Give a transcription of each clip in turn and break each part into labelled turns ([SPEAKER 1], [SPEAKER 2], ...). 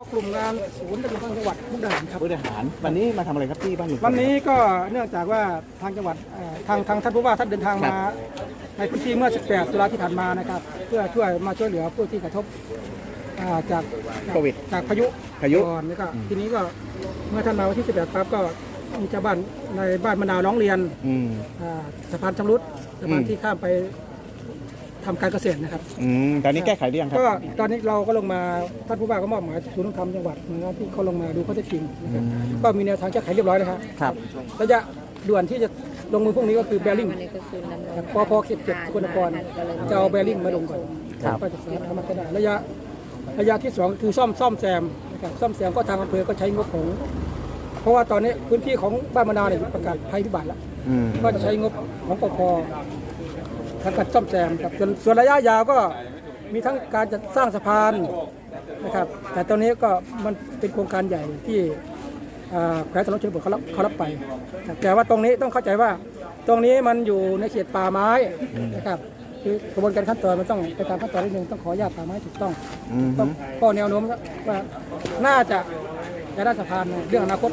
[SPEAKER 1] กลุ่มงานศูนย์ดำรงธรรมจังหวัดมุกดาหารครับ
[SPEAKER 2] มุกดาหารวันนี้มาทำอะไรครับที่บ้านลุงพล
[SPEAKER 1] วันนี้ก็เนื่องจากว่าทางจังหวัดทางท่านผู้ว่าท่านเดินทางมาในพื้นที่เมื่อ 18 ตุลาที่ผ่านมานะครับเพื่อช่วยเหลือผู้ที่กระทบจาก
[SPEAKER 2] โควิด
[SPEAKER 1] จากพายุก่อนแล้วก็ทีนี้ก็เมื่อท่านมาวันที่ 18 ปั๊บก็มีชาวบ้านในบ้านมะนาวร้องเรียนสะพานชำรุดสะพานที่ข้ามไปทำการเกษตรนะครับ
[SPEAKER 2] ตอนนี้แก้ไขหรือยังครับ
[SPEAKER 1] ก็ตอนนี้เราก็ลงมาท่านผู้ว่าก็มอบหมายศูนย์ดำรงธรรมจังหวัดนะครับที่เขาลงมาดูข้อเท็จจริงนะครับก็มีแนวทางแก้ไขเรียบร้อยแล้วครับระยะด่วนที่จะลงมือพรุ่งนี้ก็คือแบริ่งปพเขต7 สกลนครจะเอาแบริ่งมาลงก่อนก็จะสามารถทำได้ระยะที่2คือซ่อมแซมนะครับซ่อมแซมก็ทางอำเภอก็ใช้งบของเพราะว่าตอนนี้พื้นที่ของบ้านมะนาวเนี่ยประกาศภัยพิบัติแล้วก็จะใช้งบของปพทางการซ่อมแซมครับส่วนระยะยาวก็มีทั้งการจะสร้างสะพานนะครับแต่ตอนนี้ก็มันเป็นโครงการใหญ่ที่แขวงสนชนบทเขารับไปแต่ว่าตรงนี้ต้องเข้าใจว่าตรงนี้มันอยู่ในเขตป่าไม้นะครับคือกระบวนการขั้นตอนมันต้องไปตามขั้นตอนนิดนึงต้องขออนุญาตป่าไม้ถูกต้องก็แนวโน้มว่าน่าจะได้สะพานเรื่องอนาคต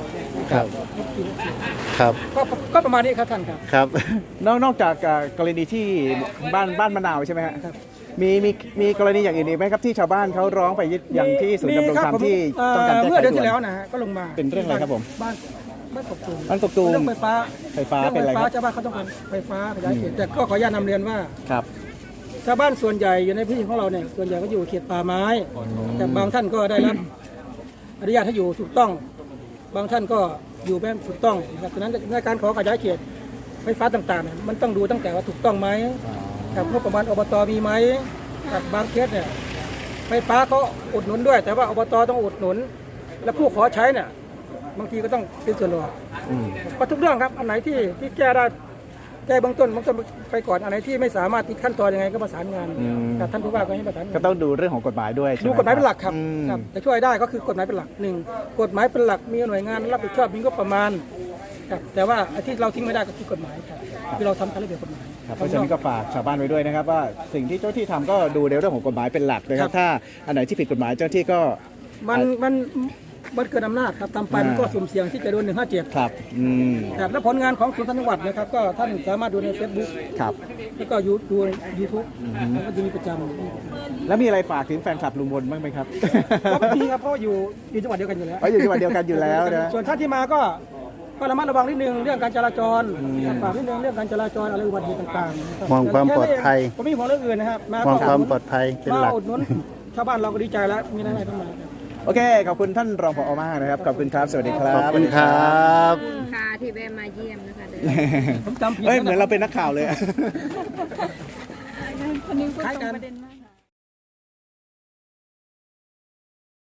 [SPEAKER 2] ครับ
[SPEAKER 1] ก็ประมาณนี้ครับท่านครับ
[SPEAKER 2] ครับนอกจากกรณีที่บ้านมะนาวใช่ไหมครับมีกรณีอย่างอื่นอีกไหมครับที่ชาวบ้านเขาร้องไปอย่างที่ศูนย์ดำรงธรรมที่ต้องการแก้ไข
[SPEAKER 1] เมื่อเดือนที่แล้วนะฮะก็ลงมา
[SPEAKER 2] เป็นเรื่องอะไรครับผม
[SPEAKER 1] บ้านกบตูม
[SPEAKER 2] เรื่องไฟฟ้าเป็นอะไรครับ
[SPEAKER 1] ชาวบ้านเขาต้องการไฟฟ้าขยายเขตแต่ก็ขออนุญาตนำเรียนว่า
[SPEAKER 2] ครับ
[SPEAKER 1] ชาวบ้านส่วนใหญ่อยู่ในพื้นที่ของเราเนี่ยส่วนใหญ่ก็อยู่เขตป่าไม้แต่บางท่านก็ได้รับอนุญาตให้อยู่ถูกต้องบางท่านก็อยู่แบบถูกต้องดังนั้นในการขอขยายเขตไฟฟ้าต่างๆเนี่ยมันต้องดูตั้งแต่ว่าถูกต้องไหมกับงบประมาณอบตมีไหมกับบางเคสเนี่ยไฟฟ้าเขาอุดหนุนด้วยแต่ว่าอบตต้องอุดหนุนและผู้ขอใช้เนี่ยบางทีก็ต้องเป็นส่วนรวมก็ทุกเรื่องครับอันไหนที่แก้ได้แก้เบื้องต้นไปก่อนอันไหนที่ไม่สามารถติดขั้นตอนยังไงก็ประสานงานกับท่านผู้ว่าก็ให้ประสาน
[SPEAKER 2] ก็ต้องดูเรื่องของกฎหมายด้วย
[SPEAKER 1] ดูกฎหมายเป็นหลักครับจะช่วยได้ก็คือกฎหมายเป็นหลัก1กฎหมายเป็นหลักมีหน่วยงานรับผิดชอบมีงบประมาณครับแต่ว่าที่เราทิ้งไม่ได้ก็คือกฎหมายครับที่เราทำตามระเบียบกฎหมาย
[SPEAKER 2] เพราะฉะนั้นก็ฝากชาวบ้านไว้ด้วยนะครับว่าสิ่งที่เจ้าที่ทำก็ดูในเรื่องของกฎหมายเป็นหลักนะครับถ้าอันไหนที่ผิดกฎหมายเจ้าที่ก็
[SPEAKER 1] มันเกินอำนาจครับทำไปมันก็สุ่มเสี่ยงที่จะโดน157
[SPEAKER 2] ครับ
[SPEAKER 1] และผลงานของศูนย์จังหวัดนะครับก็ท่านสามารถดูใน Facebook
[SPEAKER 2] ครับ
[SPEAKER 1] แล้วก็ดูใน YouTube ก็จะมีประจำ
[SPEAKER 2] แล้วมีอะไรฝากถึงแฟนคลับลุงพลบ้างไหมครับ
[SPEAKER 1] ก็มีครับเพราะอยู่จังหวัดเดียวกันอยู่แล้ว
[SPEAKER 2] อยู่จังหวัดเดียวกันอยู่แล้วนะ
[SPEAKER 1] ส่วนท่านที่มาก็ระมัดระวังนิดนึงเรื่องการจราจรฝากนิดนึงเรื่องการจราจรอะไรอุบัติเหตุต่าง
[SPEAKER 3] ๆมองความปลอดภัย
[SPEAKER 1] ผมไม่มองเรื่องอื่นนะครับ
[SPEAKER 3] มองความปลอดภัยเป็นหลัก
[SPEAKER 1] อุดหนุนชาวบ้านเราก็ดีใจแล้วมีอะไรเข้ามา
[SPEAKER 2] โอเคขอบคุณท่านรองผอ.มากนะครับขอบคุณครับสวัสดีครับ
[SPEAKER 3] ขอบคุณครับ
[SPEAKER 4] ค่ะที่แวะมาเยี่ยมนะคะ
[SPEAKER 1] ผมจำผิด
[SPEAKER 2] เหมือนเราเป็นนักข่าวเลย
[SPEAKER 4] คนนี้พูดตรงประเด็นมาก